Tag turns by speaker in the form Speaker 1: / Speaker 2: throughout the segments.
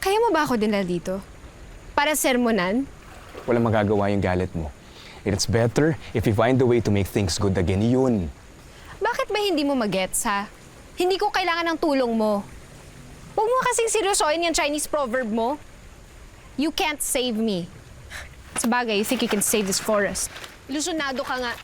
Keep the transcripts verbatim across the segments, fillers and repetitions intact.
Speaker 1: Kaya mo ba ako dinala dito? Para sermonan?
Speaker 2: Walang magagawa yung galit mo. It's better if you find a way to make things good again. Yun.
Speaker 1: Bakit ba hindi mo magets, ha? Hindi ko kailangan ng tulong mo. Huwag mo kasing seryosoin yung Chinese proverb mo. You can't save me. Sabagay, you think you can save this forest. Ilusyonado ka nga.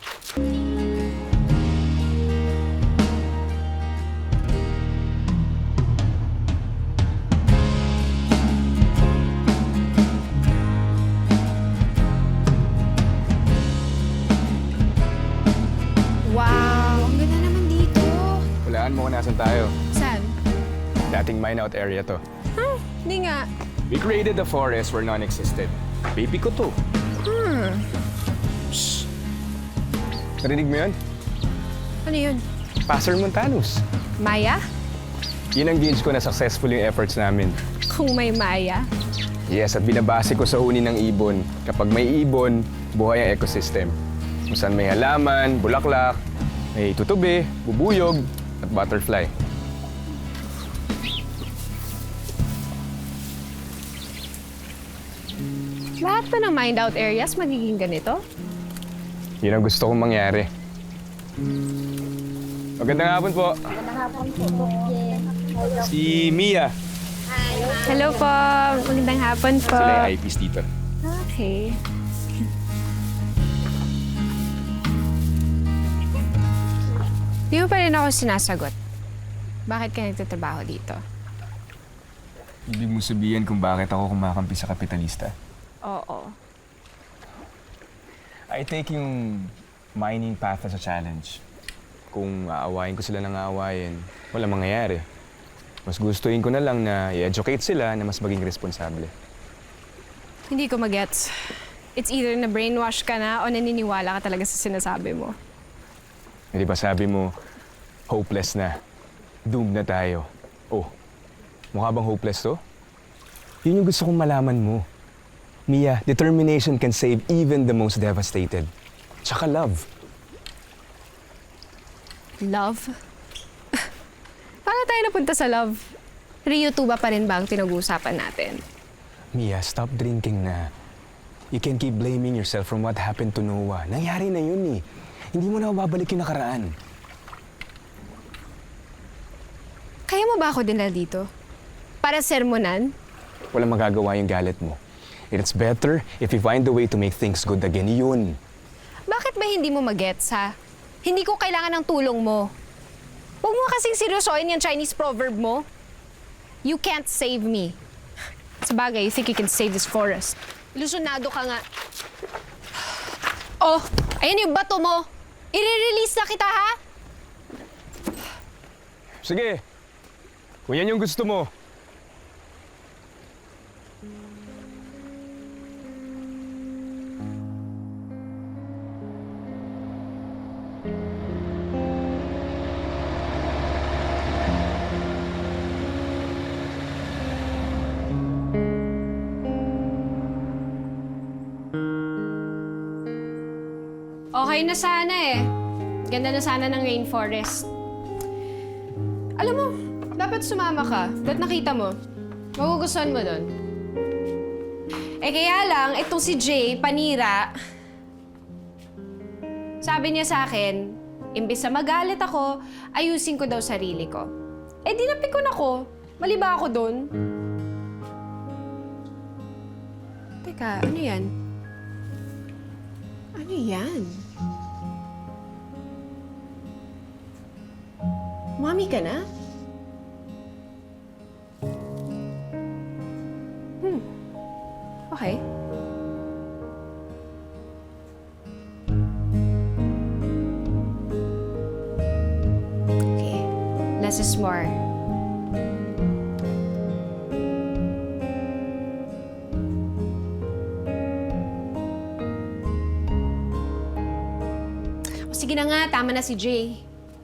Speaker 1: Wow, ang ganda naman dito.
Speaker 2: Hulaan mo kung nasan tayo.
Speaker 1: Saan?
Speaker 2: Dating mine out area to.
Speaker 1: Hmm, hindi nga.
Speaker 2: We created a forest where none existed. Baby ko to.
Speaker 1: Hmm.
Speaker 2: Shh. Narinig mo yun?
Speaker 1: Ano yun?
Speaker 2: Passer Montanus.
Speaker 1: Maya?
Speaker 2: Yun ang gauge ko na successful yung efforts namin.
Speaker 1: Kung may Maya?
Speaker 2: Yes, at binabase ko sa huni ng ibon. Kapag may ibon, buhay ang ecosystem. Kung saan may halaman, bulaklak, may tutubi, bubuyog, at butterfly.
Speaker 1: Lahat pa ng mind out areas magiging ganito?
Speaker 2: Yun ang gusto kong mangyari. Magandang hapon po.
Speaker 3: Magandang hapon po, Bokye.
Speaker 2: Si Mia.
Speaker 1: Hello po. Magandang hapon po.
Speaker 2: Sila yung eyepiece dito.
Speaker 1: Okay. Di mo pa rin ako sinasagot. Bakit ka nagtatrabaho dito?
Speaker 2: Ibig mo sabihin kung bakit ako kumakampi sa kapitalista?
Speaker 1: Oo.
Speaker 2: I take yung mining path as a challenge. Kung aawayin ko sila ng aawayin, wala mangyayari. Mas gustuin ko na lang na i-educate sila na mas maging responsable.
Speaker 1: Hindi ko magets. It's either na brainwash ka na o naniniwala ka talaga sa sinasabi mo.
Speaker 2: Hindi ba sabi mo, hopeless na. Doomed na tayo. Oh, mukha bang hopeless to? Yun yung gusto kong malaman mo. Mia, determination can save even the most devastated. Tsaka love.
Speaker 1: Love? Paano tayo napunta sa love? Rio two ba pa rin ba ang pinag-uusapan natin?
Speaker 2: Mia, stop drinking na. You can keep blaming yourself from what happened to Noah. Nangyari na yun eh. Hindi mo na mababalik yung nakaraan.
Speaker 1: Kaya mo ba ako dinala dito? Para sermonan?
Speaker 2: Walang magagawa yung galit mo. It's better if you find a way to make things good again. Yun.
Speaker 1: Bakit ba hindi mo magets, ha? Hindi ko kailangan ng tulong mo. Huwag mo kasing seryosoin yung Chinese proverb mo. You can't save me. Sabagay, you think you can save this forest. Ilusyonado ka nga. Oh, ayan yung bato mo. I-release na kita, ha?
Speaker 2: Sige. Kung yan yung gusto mo.
Speaker 1: Okay na sana eh. Ganda na sana ng rainforest. Alam mo, dapat sumama ka. Ba't nakita mo? Magugustuhan mo doon. Eh kaya lang, itong si Jay, panira, sabi niya sa akin, imbis na magalit ako, ayusin ko daw sarili ko. Eh di napikon ako. Mali ba ako doon? Teka, ano yan? Ano yan? Mami ka na? Hmm. Okay. Okay. Less is more. O sige na nga, tama na si Jay.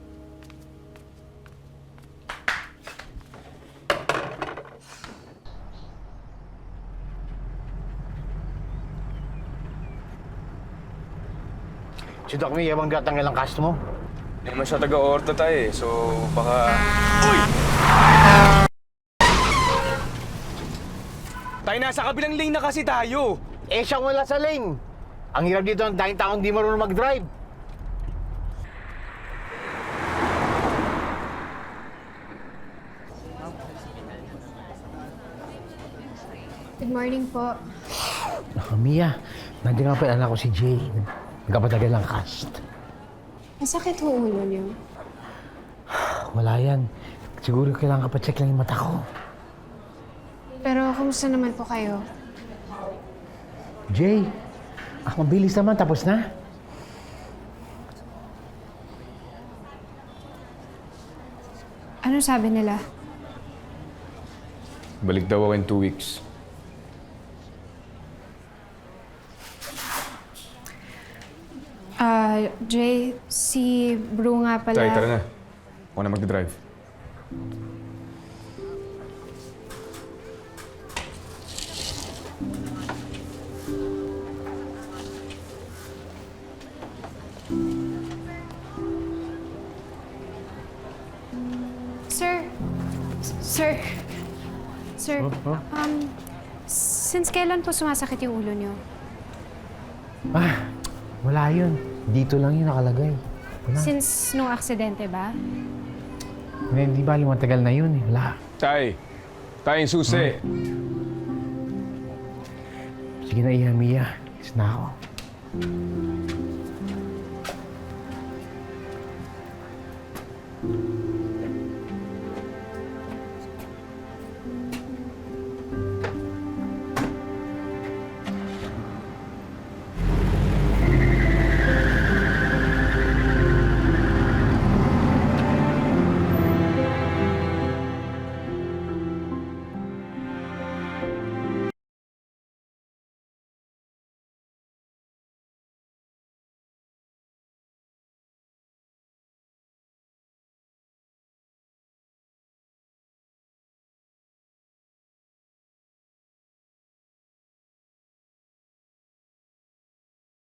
Speaker 4: Si Doc May, yabang gatang ilang cast mo?
Speaker 2: Hindi naman siya taga-orto tayo eh, so baka... Uy! Tayo nasa kabilang lane na kasi tayo.
Speaker 4: Eh, siyang wala sa lane. Ang hirap dito ng tayong taong di marunong mag-drive.
Speaker 1: Good morning po.
Speaker 4: Naku, Mia, nandiyan nga pa yung anak ko si Jay. Nagkapatagal ng cast.
Speaker 1: Masakit ho ulo niyo.
Speaker 4: Wala yan. Siguro kailangan ka pa-check lang yung mata ko.
Speaker 1: Pero kumusta naman po kayo?
Speaker 4: Jay, ah, mabilis naman. Tapos na.
Speaker 1: Ano sabi nila?
Speaker 2: Balik daw ako in two weeks.
Speaker 1: Ah, Jay, si Bru nga pala.
Speaker 2: Tay, tara na. Ako na magdadrive.
Speaker 1: Sir, sir, sir, um, since kailan po sumasakit yung ulo niyo?
Speaker 4: Ah, wala yun. Dito lang yun nakalagay. Wala.
Speaker 1: Since nung aksidente ba?
Speaker 4: Hindi ba matagal na yun eh. Wala.
Speaker 2: Tay, tayo yung susi.
Speaker 4: Sige na, Iha, Mia. Is na ako.
Speaker 3: Thank